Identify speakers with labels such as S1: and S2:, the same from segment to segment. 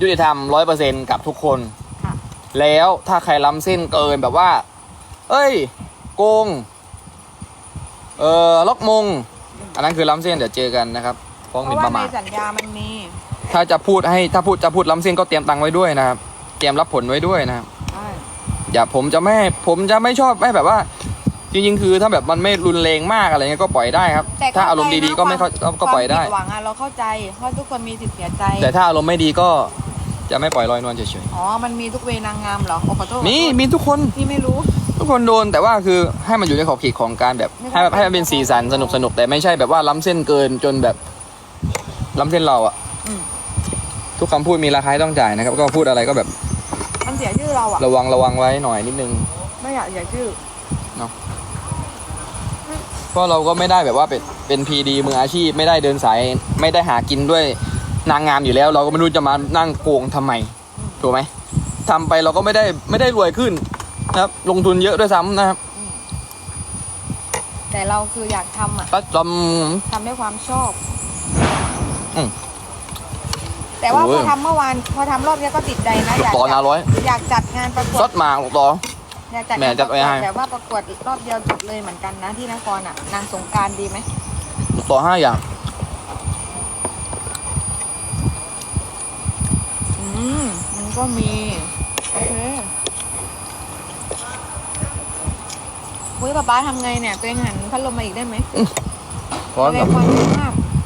S1: ยุติธรรม 100% กับทุกคน
S2: ค่ะ
S1: แล้วถ้าใครล้ำเส้นเกินแบบว่า เอ้ยโกงล็อกมงอันนั้นคือล้ำเส้นเดี๋ยวเจอกันนะครับฟ้องห
S2: เพ
S1: มิ่น
S2: ราะ
S1: ป
S2: ว่า
S1: ระ
S2: ใน
S1: มาท
S2: สัญญามันมี
S1: ถ้าจะพูดล้ำเส้นก็เตรียมตังค์ไว้ด้วยนะครับเตรียมรับผลไว้ด้วยนะครับ
S2: ใช่
S1: อย่าผมจะไม่ชอบไม่แบบว่า จริงๆคือถ้าแบบมันไม่รุนแรงมากอะไรเงี้ยก็ปล่อยได้ครับ
S2: แต่
S1: ถ้าอารมณ์ดีๆก็ไม่เข้าก็ปล่อยได้
S2: ความผิดหวังอะเราเข้าใจเพราะทุกคนมีสิทธิ์เสียใจ
S1: แต่ถ้าอารมณ์ไม่ดีก็จะไม่ปล่อยลอยนวลเฉย
S2: อ๋อมันมีทุกเวนางงามเหรอโอ้ขอโทษ
S1: ๆมีทุกคน
S2: พี่ไม่รู้
S1: ทุกคนโดนแต่ว่าคือให้มันอยู่ในขอบเขตของการแบบให้มันเป็นสีสันสนุกแต่ไม่ใช่แบบว่าล้ำเส้นเกินจนแบบล้ำเส้นเราอะ
S2: อืม
S1: ทุกคำพูดมีราคาที่ต้องจ่ายนะครับก็พูดอะไรก็แบบ
S2: มันเสียชื่อเราอะ
S1: ระวังไว้หน่อยนิดนึง
S2: ไม่อยากเสียชื่อ
S1: เพราะเราก็ไม่ได้แบบว่าเป็นพีดีมืออาชีพไม่ได้เดินสายไม่ได้หากินด้วยนางงามอยู่แล้ว เราก็ไม่รู้จะมานั่งโกงทำไมถูกไหมทำไปเราก็ไม่ได้รวยขึ้นนะครับลงทุนเยอะด้วยซ้ำนะครับ
S2: แต่เราคืออยากทำอะ
S1: ก็จ
S2: ทำด้วยความชอบ
S1: อืม
S2: แต่ว่า
S1: โอ้
S2: พอย ทำเมื่อวานพอทำรอบนี้ก็ติดใจนะอยาก
S1: ำต่อนาร้อย
S2: อยากจัดงานประกว
S1: ซ
S2: ด
S1: ดมาต่อ
S2: อยากจัด
S1: แม่
S2: งาน
S1: จั
S2: ป
S1: ด
S2: ระ
S1: ไว้
S2: กวด
S1: ให้
S2: แบบว่าประกวดรอบเดียวจบเลยเหมือนกันนะที่นครอะนางสงกรารดีไหม
S1: ต่อ5 อย่าง
S2: มันก็มีโอเคอุ้ยป๊าทำไงเนี่ยตัวเองหันพัดลมมาอีกได้ไหม
S1: ร้อน
S2: แร
S1: กับ
S2: งความร้อนมาก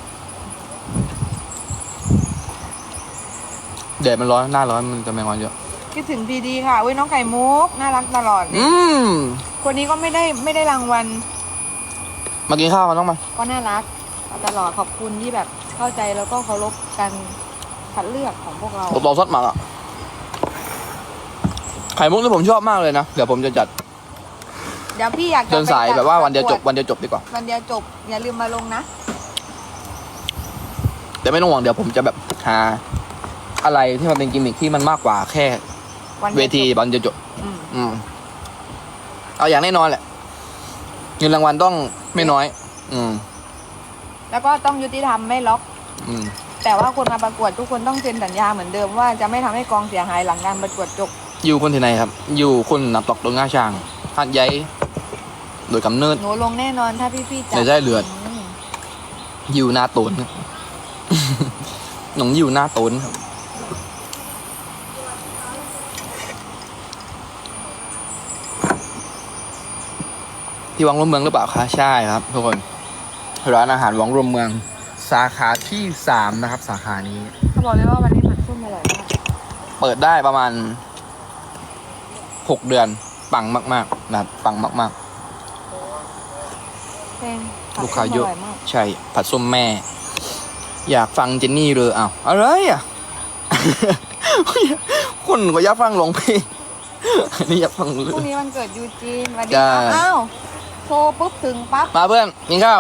S1: แดดมันร้อนหน้าร้อนมันจะแมงวันเยอะ
S2: คิดถึงพีดีค่ะอุ้ยน้องไก่มุกน่ารักตลอด
S1: ม
S2: คนนี้ก็ไม่ได้รางวัล
S1: มากินข้าวกันต้องมา
S2: ก็น่ารักตลอดขอบคุณที่แบบเข้าใจแล้วก็เคารพการคัดเลือกของพวกเรา
S1: ต่อซดมาละไข่มุกที่ผมชอบมากเลยนะเดี๋ยวผมจะจัด
S2: เดี๋ยวพี่อยากจะ
S1: เดินสาย
S2: ไปจั
S1: แบบว่าวันเดียวจบ
S2: ประกว
S1: วันเดียวจบดีกว่า
S2: วันเดียวจบอย่าลืมมาลงนะ
S1: แต่ไม่ต้องห่วงเดี๋ยวผมจะแบบหาอะไรที่มันเป็นกิมมิคที่มันมากกว่าแค่
S2: วัน
S1: เว
S2: เดียว
S1: ที
S2: จบ
S1: วันเดียวจบ
S2: อืม
S1: อืมเอาอย่างแน่นอนแหละเงินรางวัลต้องไม่น้อย อืม
S2: แล้วก็ต้องยุติธรรมไม่ล็อก
S1: อืม
S2: แต่ว่าคนมาประกวดทุกคนต้องเซ็นสัญญาเหมือนเดิมว่าจะไม่ทำให้กองเสียหายหลังการประกวดจบ
S1: อยู่คนที่ไหนครับ อยู่คนนับตอกตรงง่าช้างหัดใหญ่โดยกำเนิด
S2: หนูลงแน่นอนถ้าพี่ๆจั
S1: ในใจเลือด
S2: ม
S1: อยู่หน้าตนครับ หนองอยู่หน้าตนครับที่วังรวมเมืองหรือเปล่าคะใช่ครับทุกคนร้านอาหารวังรวมเมือง สาขาที่3นะครับ สาขานี้
S2: เขาบอกเลยว่าวันนี้ผัดส้มอร่อยมาก
S1: เปิดได้ประมาณ6 เดือนปังมากๆนะครับปังมาก
S2: แพงผัด
S1: ๆ ลูก
S2: ส้
S1: ค้าม
S2: อ
S1: เยอะ
S2: ร่อยมาก
S1: ใช่ผัดส้มแม่ อยากฟังเจนนี่เลยอ้าวอะไรอ่ะ คนก็อยากฟังร้องเพลง อันนี้อยากฟังเล
S2: พรุ่ง
S1: ย
S2: นี้วันเกิดยูจีนสวัสดี
S1: จ้า
S2: ครับอ้าวโทรปุ๊บถึงปั๊บ
S1: มาเพื่อนกินข้าว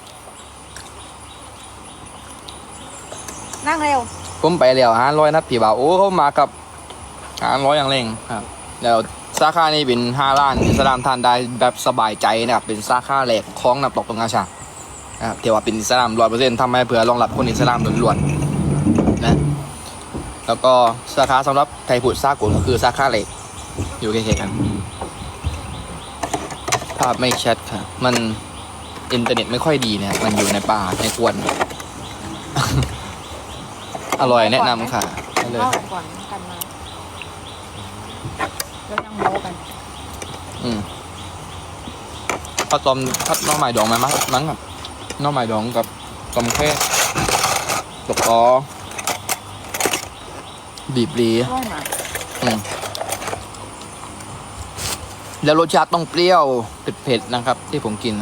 S2: นั่งเร็ว
S1: ผมไปแล้ว500นัดพี่บ่าวโอ้เขามากับ500อย่างเร่งครับแล้วสาขานี้เป็น5 ล้านอิสลามทานได้แบบสบายใจนะครับเป็นสาขาแรกของน้ำตกตรงอาชานะครับที่ว่าเป็นอิสลาม 100% ทำให้เผื่อรองรับคนอิสลามล้วนๆนะแล้วก็สาขาสำหรับไทยพุทธสากลก็คือสาขาเล็กอยู่ใกล้ๆกันภาพไม่ชัดค่ะมันอินเทอร์เน็ตไม่ค่อยดีเนี่ยมันอยู่ในป่าในควน อร่อยแนะนำค่ะได้เลย
S2: เล่าก่อนกันมาแล้วยังโม้กัน
S1: ผัดต้มผัดหน้อไม้ดองไหมมั้งครับหน้อไม้ดองกับต้มแค่ตกอ๋อบีบรี
S2: อร่อยมาก
S1: แล้วรสชาติต้องเปรี้ยวเผ็ดๆนะครับ ที่ผมกิน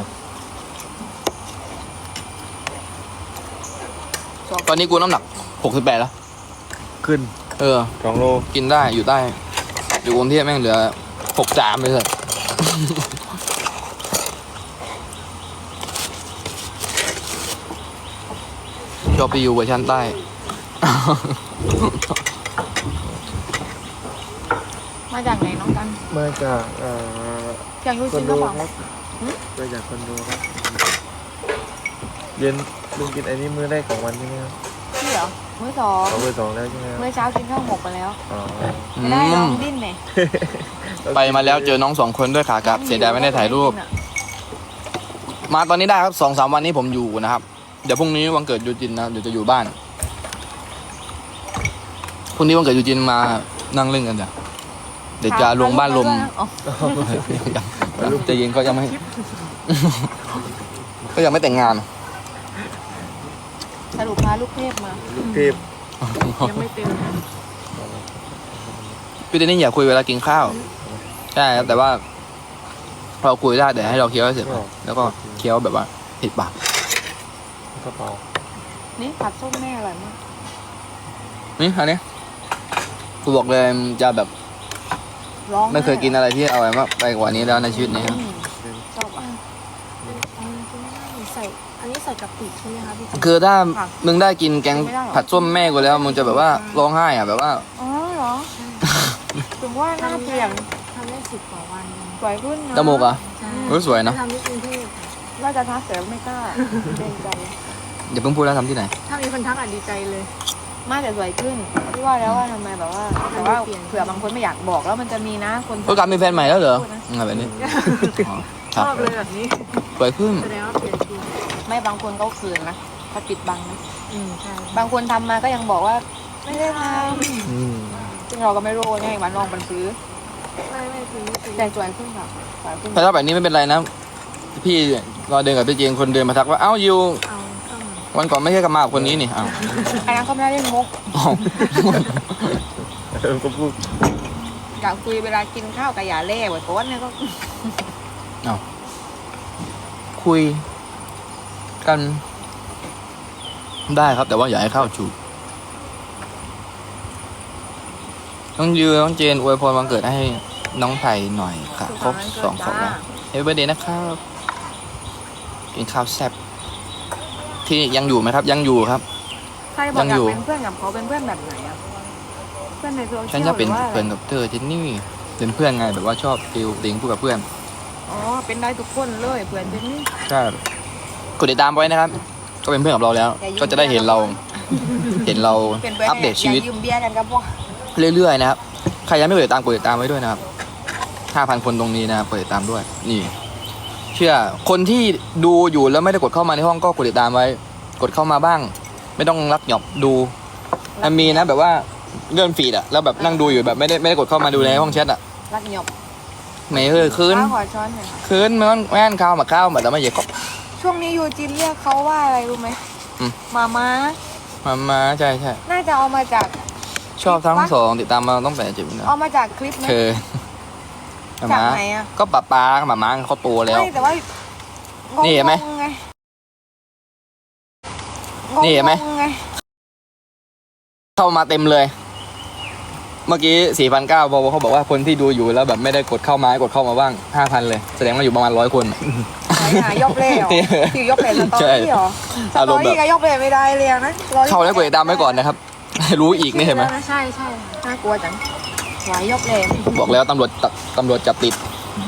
S1: ตอนนี้กูน้ำหนัก68แล้ว
S3: ขึ้น
S1: 2 โลกินได้อยู่ได้อยู่กรุงเทพแม่งเหลือ63เลย ชอบไปอยู่เวอร์ชันใต้
S2: มาจากไหนน้องกัน
S3: มาจาก
S2: จากยู
S3: ค
S2: จี
S3: อน
S2: น
S3: โด
S2: หรือเปล่า
S3: ครับมาจากคอนโดครับ เย็นลุงกินไอ้นี่มื้อแรกของวันใช่ไหมครับ
S2: พี่เหรอมื้อสอง
S3: เอาเบอร์สองแล้วใช่ไหมครับ
S2: มื้อเช้ากินข้าวหมกไปแล้ว
S3: อ๋อ
S2: ไม่ได้ลองดิ้นไหม
S1: ไปมาแล้วเจอน้อง2 คนด้วยขากลับเสียดายไม่ได้ถ่ายรูป มาตอนนี้ได้ครับ2-3 วันนี้ผมอยู่นะครับ เดี๋ยวพรุ่งนี้วันเกิดยูจินนะเดี๋ยวจะอยู่บ้านพรุ่งนี้วันเกิดยูจินมานั่งเล่นกันจ้ะเดี๋ยวจะลงบ้านลม
S2: อ๋อ
S1: ใจเย็นก็ยังไม่ ก็ยังไม่แต่งงาน
S2: สรุปพาลูกเทพมา
S3: ลูกเทพ
S2: ยังไม่เต็ม
S1: พี่เดนนี่อย่าคุยเวลากินข้าวใช่ครับแต่ว่าเราคุยได้แต่ให้เราเคี้ยวให้เสร็จก่อนแล้วก็เคี้ยวแบบว่าผิดปาก
S3: กระเป๋า
S2: นี่ผัดส้มแม่อร่อยมาก
S1: นี่อันนี้กูบอกเลยมันจะแบบ
S2: ร้อง
S1: ไม่เคยกินอะไรที่อร่อยมากไปกว่านี้แล้วในชีวิตนี้ครับ
S2: ชอบอ่ะ
S4: ใส่อันนี้ใส่กะปิใช่ไหมคะพี่จิ๊บ
S1: คือถ้ามึงได้กินแกงผัดส้มแม่กูแล้วมึงจะแบบว่าร้องไห้อะแบบว่า
S2: อ๋อเหรอถึงว่าหน้าเปลี่ยน
S4: ทำได้10 กว่าวัน
S2: สวยขึ้นนะ
S1: จมูกอ่ะ
S4: ใช่
S1: รู้สวยเนอะ
S4: ทำที่กรุงเทพ
S2: ว่าจะทักแต่ไม่กล้าเกรงใจ
S1: อย่าเพิ่งพูดแล้วทำที่ไหน
S4: ถ้ามีคนทักอ่ะดีใจเลย
S2: ไม่แต่สวยขึ้นพี่ว่าแล้วว่าทำไมแบบว่าแต่ว่าเผื่อบางคนไม่อยากบอกแล้วมันจะมีนะคน
S1: โอกาสมีแฟนใหม่แล้วเหรอแบบนี้อ๋อค
S4: ช
S1: รับ
S4: อบเลยแบบนี้
S1: สวยขึ้น
S4: แสดงว่าเปลี่ยนจริง
S2: ไม่บางคนเขาคืนนะเขาปิดบังนะ
S4: ใช่
S2: บางคนทำมาก็ยังบอกว่าไม่ได้ท
S3: อืม
S2: ำซึ่งเราก็ไม่รู้ไงวันลองมันซื้อ
S4: ไม่จริงไม่จริง
S2: แต่สวยขึ้นค่ะสวยขึ้น
S1: แต่ถ้าแบบนี้ไม่เป็นไรนะพี่รอเดินกับพี่เจงคนเดินมาทักว่าเอ้ายู
S4: เอาเข้ามา
S1: วันก่อนไม่ใช่กับมากับคนนี้นี่อ้าว
S2: อันนั้นเขาไม่ได้เล่นมุก
S1: อ้าว
S3: ก็พูด
S2: อยากคุยเวลากินข้าวกับอย่าเล่ไว้ก้นเนี่ยก็
S1: คุยกันได้ครับแต่ว่าอย่าให้เข้าจูบน้องยูน้องเจนอวยพรวันเกิดให้น้องไผ่หน่อยค่ะครบ2 ขวบแล้วเฮ้ยเบอร์เดย์นะครับกินข้าวแซ่บที่ยังอยู่ไหมครับ ยังอยู่ครับ
S2: ใครบอกอยากเป็นเพื่อนกับเขาเป็นเพื่อนแบบไหนอะเพื่อนในโซเชียล
S1: ฉันจะเป็น
S2: หรือว่าอะไร
S1: เพื่อนกับเธอเจนนี่เป็นเพื่อนไงแบบว่าชอบติวติงพูดกับเพื่อน
S2: อ๋อเป็นได้ทุกคนเลยเพื่อนเป็นนี่
S1: ใช่กดติดตามไว้นะครับ ก็เป็นเพื่อนกับเราแล้ว ก็จะได้เห็นเรา เห็นเรา
S2: เป็นเพื่อน
S1: อัปเดตชีวิต
S2: อย่ายืมเบี้ยกันครับพวก
S1: เรื่อยๆนะครับ ใครยังไม่กดติดตามกดติดตามไว้ด้วยนะครับ 5,000 คนตรงนี้นะครับกดติดตามด้วย นี่ เชื่อ คนที่ดูอยู่แล้วไม่ได้กดเข้ามาในห้องก็กดติดตามไว้ กดเข้ามาบ้าง ไม่ต้องรักหยอบดู มันมีนะแบบว่าเลื่อนฟีดอะแล้วแบบนั่งดูอยู่แบบไม่ได้กดเข้ามาดูในห้องแชทอะ
S2: รักหยบ
S1: ไม่คืน
S2: ข้าวขอช้อนหน่อยค่ะ
S1: คืนมันแม่นข้าวมาข้าวมาแต่ไม่เยอะก็
S2: ช่วงนี้ยูจินเรียกเขาว่าอะไรรู้ไหม
S1: อืม
S2: มาม้า
S1: มาใช่ใช่
S2: น่าจะเอามาจาก
S1: ชอบทั้งสองติดตามมาตั้งแต่เจ็บนะ
S2: เอามาจากคลิปไหม
S1: เธอ
S2: จากไหนอะ
S1: ก็ป้ากับหมาเขาโตแล้ว
S2: ไม่แต่ว่า
S1: นี่เห็นไหม
S2: งงๆไง
S1: นี่เห็นไหม
S2: งงๆไง
S1: เข้ามาเต็มเลย เมื่อกี้4,900พอเขาบอกว่าคนที่ดูอยู่แล้วแบบไม่ได้กดเข้ามาให้กดเข้ามาบ้าง 5,000 เลย แสดงว่าอยู่ประมาณ100 คน
S2: ไหนหายกเล่เหรอคือยกเล่สตอ
S1: ใช่
S2: รี่เหรอส
S1: อา
S2: ต
S1: ร
S2: อ
S1: มณ์แบบ
S2: รี่ก็ยกเล่ไม่ได้เลยนะ
S1: เข้าแล้วกดติดตามไว้ก่อนนะครับ รู้อีกนี่เห็นไหม
S4: ใช่ใช่
S2: น่ากลัวจังไหวยกเล่
S1: บอกแล้วตำรวจจับติด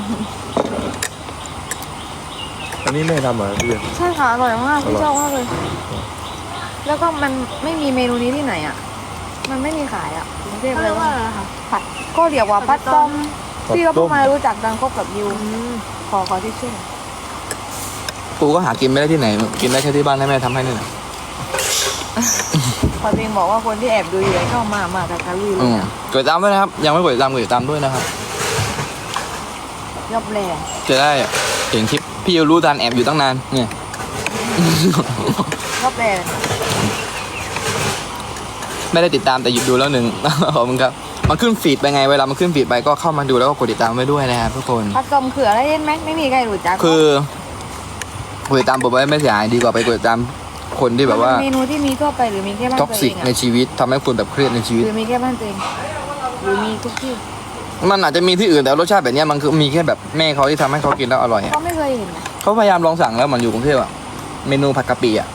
S3: อันนี้แม่ทำเหรอพี่
S2: ใช่ค่ะอร่อยมากพี่ชอบมากเลย แล้วก็มันไม่มีเมนูนี้ที่ไหนอ่ะ มันไม่มีขายอ่ะกรุงเทพ
S4: เขา
S2: เล
S4: เรี
S2: ย
S4: ยกว่าอะไรคะ
S2: ผัดก็เรียกว่าผัดต้ม
S3: ผัด
S2: พี่ก็
S3: ต้
S2: เพิ่ง
S3: ม
S2: มารู้จักดังคบกับยูขอที่ชื่อ
S1: กูก็หากินไม่ได้ที่ไหน กินได้แค่ที่บ้านให้แม่ทำให้นี่แหละ
S2: พอจริงบอกว่าคนที่แอบดูอยู่เข้ามากับการลุยเล
S1: อื
S2: ย
S1: ม
S2: อะ
S1: กดติดตามด้วยนะครับ ยังไม่กดติดตามกดติดตามด้วยนะครับ
S2: ยกเล่
S1: จะได้เห็นคลิปพี่รู้ทันแอบอยู่ตั้งนานเนี่ย
S2: ยกเล่
S1: ไม่ได้ติดตามแต่หยุดดูแล้วหนึ่ง ขอบคุณครับมันขึ้นฟีดไปไงเวลามันขึ้นฟีดไปก็เข้ามาดูแล้วก็กดติดตามไว้ด้วยนะครับทุกคน
S2: ผัดต้มเขืออะไรเล่นไหมไม่มีใครรู้จัก
S1: คือกดติดตามผมไว้ไม่เสียหายดีกว่าไปกดติดตามคนที่แบบว่า
S2: มันเป็นเมนูที่มีทั่วไปหรือมีแค่บ้าน
S1: ท็อก
S2: ตัวเอ
S1: ซิก
S2: ง
S1: ใน
S2: อะ
S1: ชีวิตทำให้คุณแบบเครียดในชีวิต
S2: หรือมีแค่บ้านตัวเองหรือมีทุกที่
S1: มันอาจจะมีที่อื่นแต่รสชาติแบบเนี้ยมันคือมีแค่แบบแม่เขาที่ทำให้เขากินแล้วอร่อยอะ
S2: ก็ไม่เคยเห็นนะ
S1: เขาพยายามลองสั่งแล้วมันอยู่กรุงเทพอะเมนูผัดกะปิอะ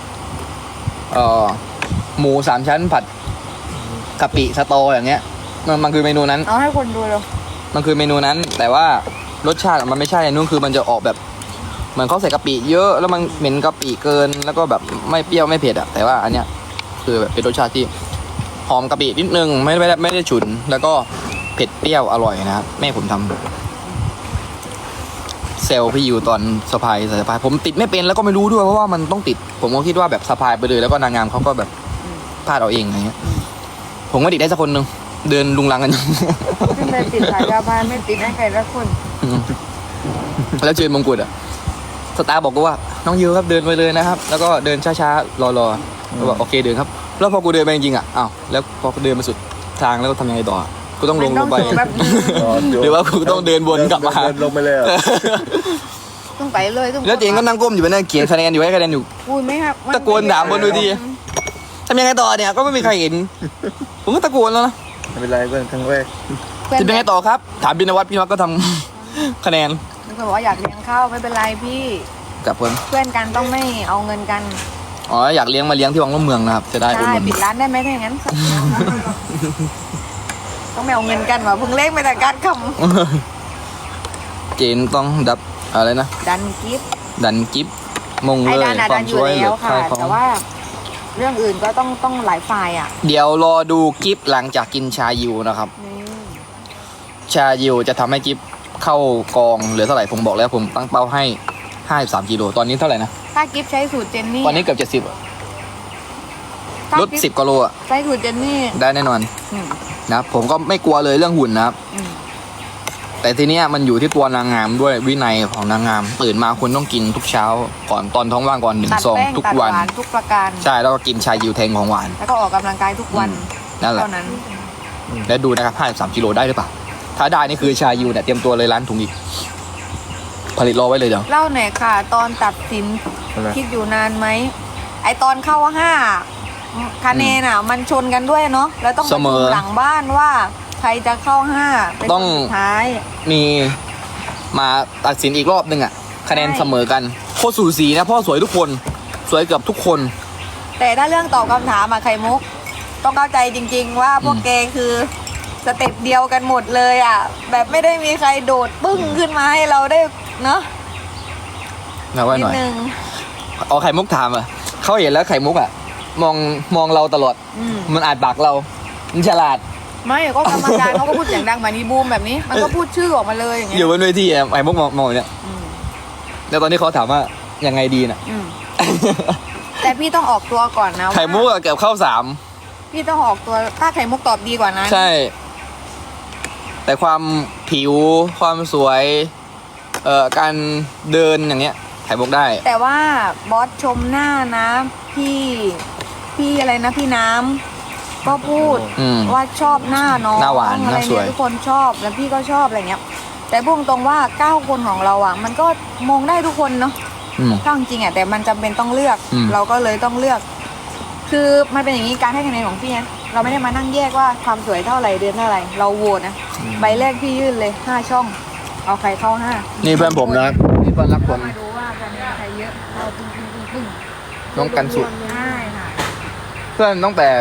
S1: หมู3 ชั้นผัดกะปิสตออย่างเงี้ยมันคือเมนูนั้น
S2: เอาให้คนดูเลย
S1: มันคือเมนูนั้น แต่ว่ารสชาติมันไม่ใช่นู่นคือมันจะออกแบบเหมือนเขาใส่กะปิเยอะแล้วมันเหม็นกะปิเกินแล้วก็แบบไม่เปรี้ยวไม่เผ็ดอะแต่ว่าอันเนี้ยคือแบบเป็นรสชาติที่หอมกะปินิดนึงไม่ได้ฉุน แล้วก็เผ็ดเปรี้ยวอร่อยนะครับแม่ผมทำเซลพี่อยู่ตอนสะพายสะพายผมติดไม่เป็นแล้วก็ไม่รู้ด้วยเพราะว่ามันต้องติด ผมก็คิดว่าแบบสะพายไปเลยแล้วก็นางงามเขาก็แบบพลาดเอาเองอะไรเงี้ยผมก็ติดได้สักคนหนึ่งเดินลุงลังกัน
S2: ขึ้นไปติดสายยาบายไม่ติดให้ใครละคน
S1: แล้วเจอมงกุฎอะสตาร์บอกกูว่าน้องยูครับเดินไปเลยนะครับ แล้วก็เดินช้าๆรอๆก็บอกโอเคเดินครับแล้วพอกูเดินไปจริงๆอะอ้าวแล้วพอเดินมาสุดทางแล้วก็ทำยังไงต่อกูต้องลงไป
S2: มันต้องแบบนึง
S1: หรือว่ากูต้องเดินวนกลับมา
S3: เดินลงไปเลยเหรอ
S2: ต้องไปเลยต้อง
S1: แล้วเจงก็นั่งก้มอยู่ไปนั่งเขียนคะแนนอยู่ให้คะแนนอยู่
S2: พูดไหมครับ
S1: ตะโกนถามบนเวทีทำยังไงต่อเนี่ยก็ไม่มีใครเห็น ผมก็ตะโกนแล้วนะ
S3: ไม่เป็นไรเพื่อนครั้งแรก
S1: จะเป็นไงต่อครับ ถามบินวัฒน์พี่วัฒน์ก็ทำ คะแนน
S2: มันก็บอกว่าอยากเลี้ยงข้าวไม่เป็นไรพี่
S1: กับเพื่อน
S2: เพื่อนกันต้องไม่เอาเงินกัน
S1: อ๋ออยากเลี้ยงมาเลี้ยงที่วังร่มเมืองนะครับจะได้อุด
S2: ใช่
S1: หนุน
S2: ปิดร้านได้ไหมถ้าอย่างนั้น ต้องไม่เอาเงินกันว่ะเพิ่งเล่นไปแต่การค
S1: เจนต้องดับอะไรนะ
S2: ำดันกิฟต์
S1: ดันกิฟมง
S2: ไอ้
S1: เลย
S2: ดันอะ
S1: ควา
S2: ดั
S1: ม
S2: นอยู่
S1: ช่วยเหลื
S2: แล้
S1: อ
S2: วค่ะ
S1: ใครของ
S2: แต่ว่า เรื่องอื่นก็ต้องหลายฝ่ายอ่ะ
S1: เดี๋ยวรอดูกิฟหลังจากกินชายูนะครับ ชายูจะทำให้กิฟเข้ากองเหลือเท่าไหร่ผมบอกแล้วผมตั้งเป้าให้53กิโลตอนนี้เท่าไหร่นะ
S2: ถ้ากิฟต์ใช้สูตรเจนนี่
S1: ตอนนี้เกือบ70อะ
S2: ถ้า
S1: ลด
S2: กิฟต์
S1: 10กิโลอะ
S2: ใช้สูตรเจนนี่
S1: ได้แน่นอน
S2: อืม
S1: นะครับผมก็ไม่กลัวเลยเรื่องหุ่นนะครับ
S2: อืม
S1: แต่ทีเนี้ยมันอยู่ที่ตัวนางงามด้วยวินัยของนางงามตื่นมาคุณต้องกินทุกเช้าก่อนตอนท้องว่างก่อนหนึ่ง
S2: ตัด
S1: ซอง
S2: แป้ง
S1: ทุก
S2: ตัด
S1: วัน
S2: หวานทุกประการ
S1: ใช่แล้วก็กินชายูแทงของหวาน
S2: แล้วก็ออกกำลังกายทุกวัน
S1: นั่นแหละ
S2: เท่านั้น
S1: แล้วดูนะครับ53กิโลได้หรือเปล่าถ้าได้นี่คือชายูเนี่ยเตรียมตัวเลยร้านถุงอีกผลิตรอไว้เลยเดี๋ยว
S2: เล่าหน่อยค่ะ ตอนตัดสิน
S3: อะไร
S2: คิดอยู่นานไหมไอตอนเข้า5คะแนนอ่ะ มันชนกันด้วยเนาะแล้วต้องไปดูหลังบ้านว่า ใครจะเข้า5เป็นคนสุดท้าย
S1: มีมาตัดสินอีกรอบนึงอ่ะคะแนน
S2: ใช่
S1: เสมอกันโคตรสูสีนะเพ่อสวยทุกคนสวยเกือบทุกคน
S2: แต่ถ้าเรื่องตอบคำถามอะไข่มุก ต้องเข้าใจจริง ๆ ว่าพวกแกคือสเต็ปเดียวกันหมดเลยอ่ะ แบบไม่ได้มีใครโดดปึ้งขึ้นมาให้เราได้เนาะ
S1: มาไว้
S2: นิ
S1: ห
S2: ด
S1: น่อย
S2: นึง
S1: เอาไข่มุกถามอ่ะเขาเห็นแล้วไข่มุกอ่ะมองเราตลอด
S2: อืม
S1: มันอ่านปากเรามันฉลาด
S2: ไม่ก็กรรมการเขาก็พูดเสียงดังเหมือนอีบูมแบบนี้ มันก็พูดชื่อออกมาเลยอย่างเงี้
S1: อยู่
S2: ย
S1: บนเวทีไอ้มุกมองเนี่ย
S2: อืม
S1: แล้วตอนนี้เขาถามว่ายังไงดีน่ะ
S2: อืมแต่พี่ต้องออกตัวก่อนนะว่า
S1: ไข่มุกอะเกือบเข้า3
S2: พี่ต้องออกตัวถ้าไข่มุกตอบดีกว่านั้น
S1: ใช่ แต่ความผิวความสวยการเดินอย่างเงี้ยไข่มุกได้
S2: แต่ว่าบอสชมหน้านะ พี่อะไรนะพี่น้ำก็พูด
S1: อืม
S2: ว่าชอบหน้าน้อง
S1: หน้าหวาน
S2: อะไร
S1: หน้าสวย
S2: เนี่ยทุกคนชอบแล้วพี่ก็ชอบอะไรเงี้ย แต่พูดตรงว่า9คนของเราอ่ะ มันก็มองได้ทุกคนเนาะ
S1: อืม
S2: ถ้าจริงๆอ่ะแต่มันจำเป็นต้องเลือก
S1: อืม
S2: เราก็เลยต้องเลือก คือมันเป็นอย่างนี้การให้คะแนนของพี่นะเราไม่ได้มานั่งแยกว่าความสวยเท่าไหร่เดือนเท่าไหร่เราโหวตนะใบแรกพี่ยื่นเลย5ช่อง เอาใครเข้า5
S1: นี่เพื่อนผมนะนี่เพื่อนรักผม
S2: มาดูว่าคะแนนใครเยอะเราปึ้ง
S1: น้องกันสุด
S2: ใช่ค่ะ
S1: เพื่อนตั้งแต่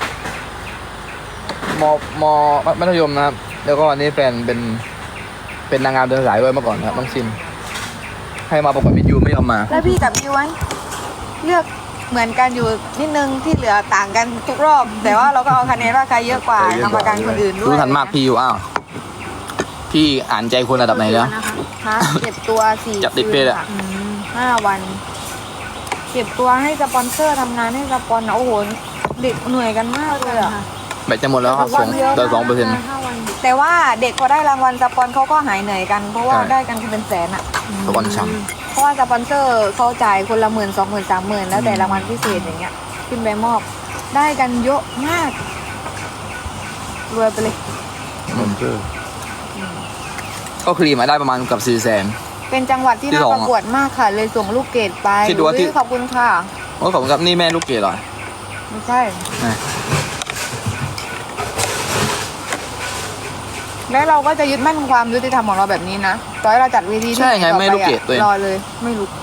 S1: มมัธยมนะครับ แล้วก็อันนี้แฟนเป็นนางงามเดินสายด้วยเมื่อก่อนนะครับน้องซิมให้มาประกวดมิสยูไม่ยอมมา
S2: แล้วพี่กับยูไว้เลือกเหมือนกันอยู่นิดนึงที่เหลือต่างกันทุกรอบ แต่ว่าเราก็เอาคะแนนว่าใครเยอะกว่ากรรมการคนอื่นด้วย
S1: รู้ทันมากพี่อยู่อ้าวพี่อ่านใจคนระดับไหนแล้ว
S2: ฮะเก็บตัว4
S1: จับติดเพศอะ
S2: 5 วัน เก็บตัวให้สปอนเซอร์ทำงานให้สปอนโอ้โหเด็กเหนื่อยกันมากเลยอ่ะ
S1: แบตจะหมดแล้วครับส่งเดิน2%
S2: แต่ว่าเด็กพอได้รางวัลสปอนเขาก็หายเหนื่อยกัน เพราะว่า
S1: ใช่
S2: ได้กันเป็นแสนอ่ะ
S1: สปอนช้
S2: เพราะว่าสปอนเซอร์เขาจ่ายคนละ10,000 20,000 30,000แล้วแต่รางวัลพิเศษอย่างเงี้ยขึ้นไปมอบ ได้กันเยอะมาก รวยไปเลย
S3: มอนเตอร์
S1: ก็คลีมาได้ประมาณเกับ400,000
S2: เป็นจังหวัดที่
S1: ที่
S2: น่า
S1: สอง
S2: ประกวดมากค่ะ เลยส่งลูกเกดไป
S1: คิดดูว่าที่
S2: อุ๊ยขอบคุณค่ะ
S1: โอ้ยขอบคุณครับนี่แม่ลูกเกดเหรอ
S2: ไม่ใช่
S1: อ่ะ
S2: และเราก็จะยึดมั่นความยุติธรรมของเราแบบนี้นะต่อให้เราจัดเวทีที่
S1: ใช่ไง
S2: ต่อป
S1: แม่ลูกเกดตัวเอง
S2: รอเลย ไม่รู้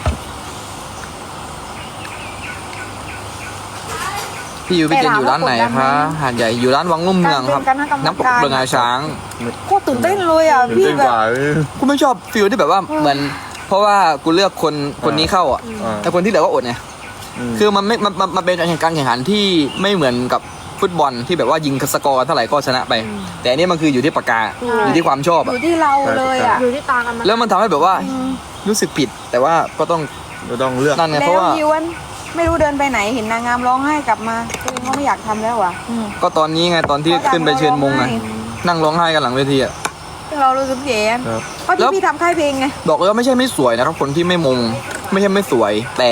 S1: พี่ยูพี่เจนอยู่ร้านไหนคะหาดใหญ่อยู่ร้านวังลุ่มเมืองครับ
S2: การเป็นคณะกรรมการ
S1: น้ำตกเบืองาช้าง
S2: โคตรตื่นเต้นเลยอ่ะ
S3: ตื่น
S2: พี่
S3: เต้น
S2: แบ
S3: ก
S2: บ
S3: ว่า
S1: กูไม่ชอบฟิลที่แบบว่าเหมือน เพราะว่ากูเลือกคนนี้เข้าอ่ะ
S3: อ่า
S1: แต่คนที่เหลือก็อดไงคือมันไม่มันเป็นการแข่งขันที่ไม่เหมือนกับฟุตบอลที่แบบว่ายิงสกอร์เท่าไหร่ก็ชนะไป แต่อันนี้มันคืออยู่ที่ปากกาอยู่ที่ความชอบ
S2: อ
S1: อะ
S2: ยู่ที่เราเลยอ่ะ
S4: อยู่ที่ตากันมา
S1: แล้วมันทำให้แบบว่ารู้สึกผิด แต่ว่าก็ต้อง
S3: เราต้องเลือก
S1: นั่นไงเพ
S2: แล้
S1: ราะ
S2: ว
S1: ว่า
S2: ยวนไม่รู้เดินไปไหนเห็นนางงามร้องไห้กลับมาตัวเองก็ไม่อยากทำแล้วอ่ะ
S1: ก็ตอนนี้ไงตอนที่ขึ้นไปเชิญมงไงนั่งร้องไห้กันหลังเวทีอะ
S2: ซึ่งเรารู้สึกแย่
S3: ครับ
S2: เพราะ
S1: แล้
S2: ที่
S1: ว
S2: พี่ทำค่ายเพลงไง
S1: บอกเลยว่าไม่ใช่ไม่สวยนะครับคนที่ไม่มงไม่ใช่ไม่สวย แต่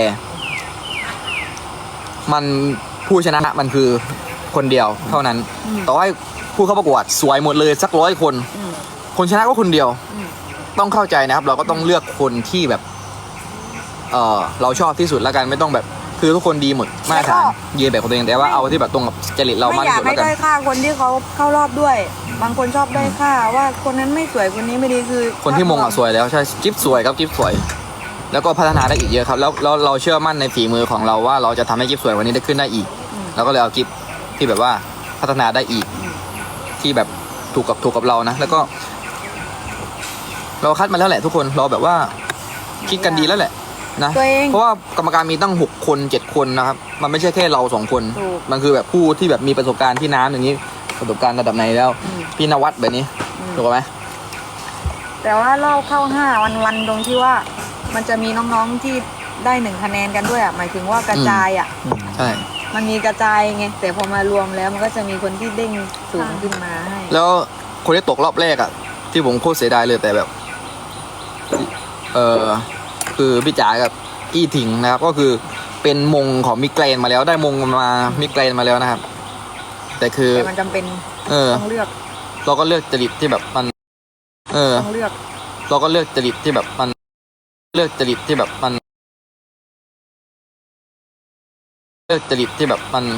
S1: มันผู้ชนะมันคือคนเดียวเท่านั้น ต่อให้ผู้เข้าประกวดสวยหมดเลยสัก100 คน คนชนะก็คนเดียว ต้องเข้าใจนะครับ เราก็ต้องเลือกคนที่แบบ เราชอบที่สุดแล้วกันไม่ต้องแบบคือทุกคนดีหมดมาตรฐานยืนแบบของตัวเองแต่ว่าเอาที่แบบตรงกับจริตเรา
S2: ไม่
S1: มาก
S2: อยา
S1: ที่
S2: ก
S1: สุด
S2: ให้
S1: แล้วกัน
S2: ด้อยค่าคนที่เขาเข้ารอบด้วย บางคนชอบด้อยค่าว่าคนนั้นไม่สวยคนนี้ไม่ดีคือ
S1: คนที่มงอ่ะสวยแล้วใช่จิ๊บสวยครับจิ๊บสวย แล้วก็พัฒนาได้อีกเยอะครับแล้วเราเชื่อมั่นในฝีมือของเราว่าเราจะทำให้จิ๊บสวยวันนี้ได้ขึ้นได้อีกเราก็เลยเอาจิ๊บที่แบบว่าพัฒนาได้อีก ที่แบบถูกกับเรานะแล้วก็ เราคัดมาแล้วแหละทุกคนเราแบบว่าคิดกันดีแล้วแหละนะ
S2: ตัวเอง
S1: เพราะว่ากรรมการมีตั้ง6 คน7 คนนะครับ มันไม่ใช่แค่เรา2 คน
S2: ถูก
S1: มันคือแบบผู้ที่แบบมีประสบการณ์ที่น้ำอย่างนี้ประสบการณ์ระดับไหนแล้ว พี่นวัดแบบนี้ถูกไหม
S2: แต่ว่ารอบเข้า5 วันตรงที่ว่า มันจะมีน้องๆที่ได้1 คะแนนกันด้วยอ่ะหมายถึงว่ากระจายอ่ะ
S1: ใช่
S2: มันมีกระจายไงแต่พอมารวมแล้วมันก็จะมีคนที่เด้งสูงขึ้นมาให้
S1: แล้วคนที่ตกรอบแรกอ่ะ ที่ผมโคตรเสียดายเลยแต่แบบ คือพี่จ๋ากับอี้ถิงนะครับ ก็คือเป็นมงของมิเกรนมาแล้วได้มงมามิเกรนมาแล้วนะครับ แต่คือ
S2: แต่มันจำเป็น ต้องเลือก
S1: เราก็เลือกจริตที่แบบมัน
S2: ต้องเลือก
S1: เราก็เลือกจริตที่แบบมันเลือกจริตที่แบบมันเลือกจริตที่แบบมัน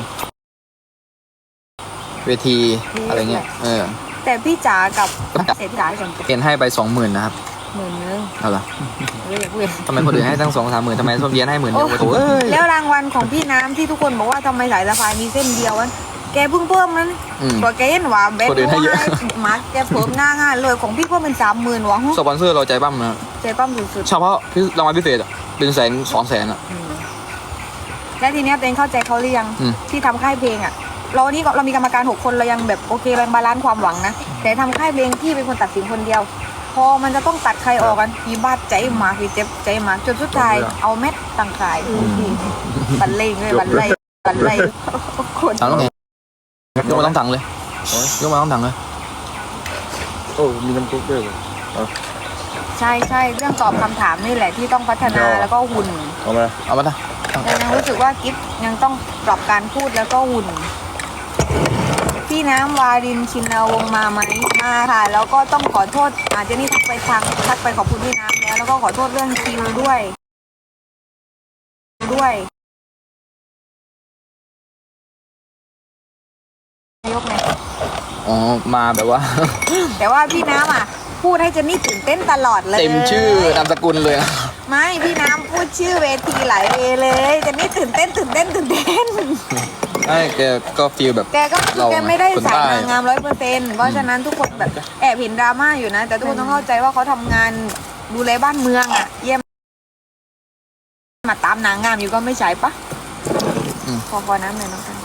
S1: เวทีอะไรเงี้ย
S2: แต่พี่จ๋ากับ
S1: กับ
S2: เศรษฐจ๋าก่อน
S1: เกณฑ์ให้ไป20,000นะครับ
S2: 10,000
S1: เอาล่ะ
S2: อย่าพูด
S1: ทำไมคนอื่นให้ตั้ง2-3 หมื่นทำไมส้มเย็นให้10,000เดียวโอ้โหเอ้ย
S2: แล้วรางวัลของพี่น้ำที่ทุกคนบอกว่าทำไมสายสะพายมีเส้นเดียวนั้นแกเพิ่งเพิ่มนั้น กว่าแกเห็นว่าเบส
S1: คนอื่นให้เยอะ
S2: มาแกเพิ่มง่ายๆเลยของพี่เพิ่มเป็น30,000หวัง
S1: สปอนเซอร์เราใจปั้มนะ
S2: ใจปั้มสุด
S1: เฉพาะรางวัลพิเศษอะเป็น100,000-200,000อะ
S2: ๆและทีเนี้ยตัวเองเข้าใจเขาหรือยัง
S1: อืม
S2: ที่ทำค่ายเพลงอ่ะเรานี่เรามีกรรมการ6 คนเรายังแบบโอเคแบ่งบาลานซ์ความหวังนะแต่ทำค่ายเพลงพี่เป็นคนตัดสินคนเดียว พอมันจะต้องตัดใครออกกันพี่บาดใจหมาพี่เจ็บใจหมาจนสุดท้ายเอาเม็ดต่างขายบันเลงเลยบันไลคน
S1: ถังต้องไงยกมาต้องถังเลยยกมาต้องถังเลย
S3: โอ้มีน้ำซุปด้วยเหรอ
S2: ใช่เรื่องตอบคำถามนี่แหละที่ต้องพัฒนาแล้วก็หุ่น
S3: เอามา
S1: เอามาตั้ง
S2: แต่ยังรู้สึกว่ากิฟยังต้องปรับการพูดแล้วก็หุ่น พี่น้ำวารินชินวงศ์มาไหมมาค่ะ แล้วก็ต้องขอโทษเจนนี่ทักไปขอบคุณพี่น้ำแล้วก็ขอโทษเรื่องคิวด้วยยกไง
S1: อ๋อมาแบบว่า
S2: แต่ว่าพี่น้ำพูดให้เจนนี่ตื่นเต้นตลอดเลย
S1: เต็มชื่อนามสกุลเลยนะ
S2: ไม่พี่น้ำพูดชื่อเวทีหลายเวเลยเจนนี่ตื่นเต้น
S1: ใช่แกก็ฟีลแบบ
S2: แกก็
S1: เรา
S2: แกไม่ได้
S1: คน
S2: สาย
S1: ใต้
S2: นางงาม100%เพราะฉะนั้นทุกคนแบบแอบเห็นดราม่าอยู่นะ แต่ทุกคนต้องเข้าใจว่าเขาทำงานดูแลบ้านเมืองเยี่ยมมาตามนางงามอยู่ก็ไม่ใช่ปะพอน้ำเลยน้องกัน